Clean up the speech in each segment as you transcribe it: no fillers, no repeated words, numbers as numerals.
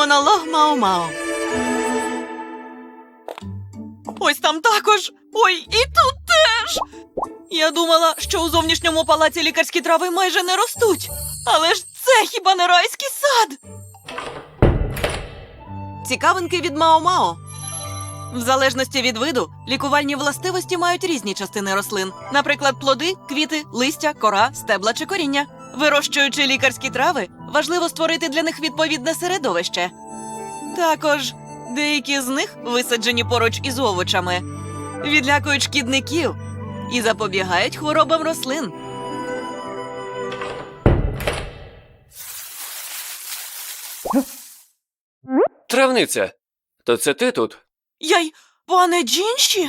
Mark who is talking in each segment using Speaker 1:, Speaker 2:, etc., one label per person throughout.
Speaker 1: Монолог Мао-Мао. Ось там також. Ой, і тут теж. Я думала, що у зовнішньому палаці лікарські трави майже не ростуть. Але ж це хіба не райський сад? Цікавинки від Мао-Мао. В залежності від виду, лікувальні властивості мають різні частини рослин. Наприклад, плоди, квіти, листя, кора, стебла чи коріння. Вирощуючи лікарські трави, важливо створити для них відповідне середовище. Також деякі з них, висаджені поруч із овочами, відлякують шкідників і запобігають хворобам рослин.
Speaker 2: Травниця, то це ти тут?
Speaker 1: Яй, пане Джінші?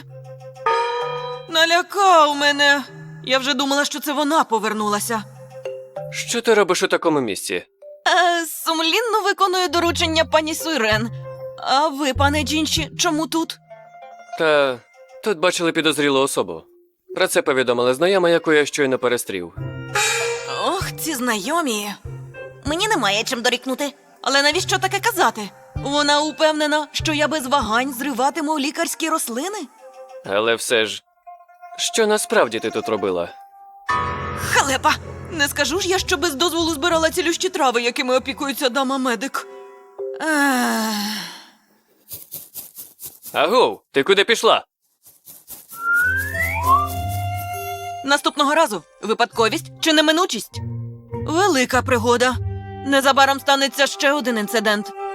Speaker 1: Налякав мене. Я вже думала, що це вона повернулася.
Speaker 2: Що ти робиш у такому місці?
Speaker 1: Сумлінно виконую доручення пані Суйрен. А ви, пане Джінші, чому тут?
Speaker 2: Та тут бачили підозрілу особу. Про це повідомила знайома, яку я щойно перестрів.
Speaker 1: Ох, ці знайомі. Мені немає чим дорікнути. Але навіщо таке казати? Вона упевнена, що я без вагань зриватиму лікарські рослини?
Speaker 2: Але все ж, що насправді ти тут робила?
Speaker 1: Халепа! Не скажу ж я, що без дозволу збирала цілющі трави, якими опікується дама-медик.
Speaker 2: Агов, ти куди пішла?
Speaker 1: Наступного разу випадковість чи неминучість? Велика пригода. Незабаром станеться ще один інцидент.